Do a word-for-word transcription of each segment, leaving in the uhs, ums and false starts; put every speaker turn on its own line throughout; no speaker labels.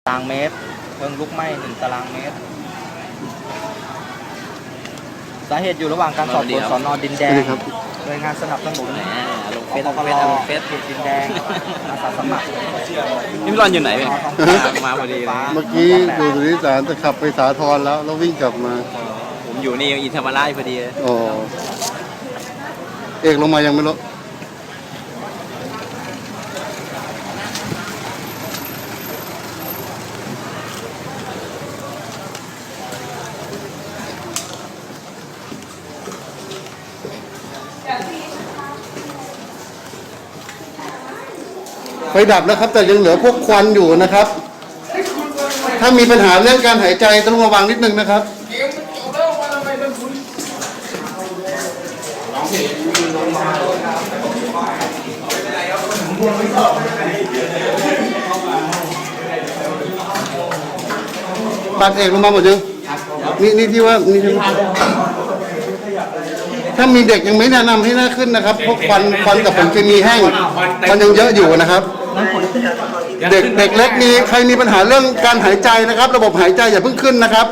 ตารางเมตรเพลิงลุกไหม้หนึ่งตารางเมตรสาเหตุอยู่ระหว่างการสอบสวนสน.ดินแดงโดยงานสนับสนุน
ลงเฟซลงเฟซลงเฟซ
เขตดินแดงอาสาสมัคร
นี่พี่รอนอยู่ไหนเนี่ยมาพอดีเลย
เมื่อกี้อยู่สุริสารจะขับไปสาทรแล้วแล้ววิ่งกลับมา
ผมอยู่นี่อินทรราชพอดีเลย
อ๋อเอกลงมายังไม่รู้ไฟดับนะครับแต่ยังเหลือพวกควันอยู่นะครับถ้ามีปัญหาเรื่องการหายใจต้องระวังนิดนึงนะครับปัดเอกลงมาหมดยังนี่นี่ที่ว่านี่ที่ถ้ามีเด็กยังไม่แนะนำให้น่าขึ้นนะครับเพราะควันควันกับผงเคมีแห้งมันยังเยอะอยู่นะครับเด็กเด็กเล็กมีใครมีปัญหาเรื่องการหายใจนะครับระบบหายใจอย่าเพิ่งขึ้นนะครับ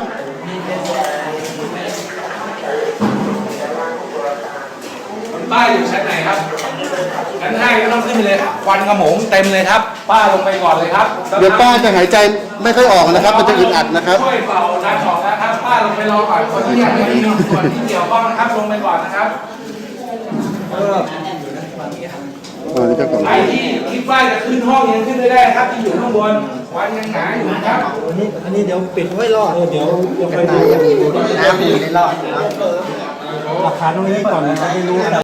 ป้าอยู่ชั้นไหนครับชั้นห้าก็ต้องขึ้นไปเลยควันกระหมงเต็มเลยครับป้าลงไปก่อนเลยครับ
เดี๋ยวป้าจะหายใจไม่ค่อยออกนะครับมันจะอึดอัดนะครับ
ช่วยเป่าน้ำออกนะครับป้าลงไปรอก่อนคนที่ยังไม่มีส่วนที่เกี่ยวข้องนะครับลงไปก่อนนะครับใครที่คิดว่าจะขึ้นห้องยังขึ้นไม่ได้ครับที่อยู่ข้างบนควันยังหนาอยู่ครับ
อันนี้อันนี้เดี๋ยวปิดไว้รอดเดี๋ยวจะไปดู
น้ำอยู่ในรอด
หลักฐานตรงนี้ก่อนนะไม่รู้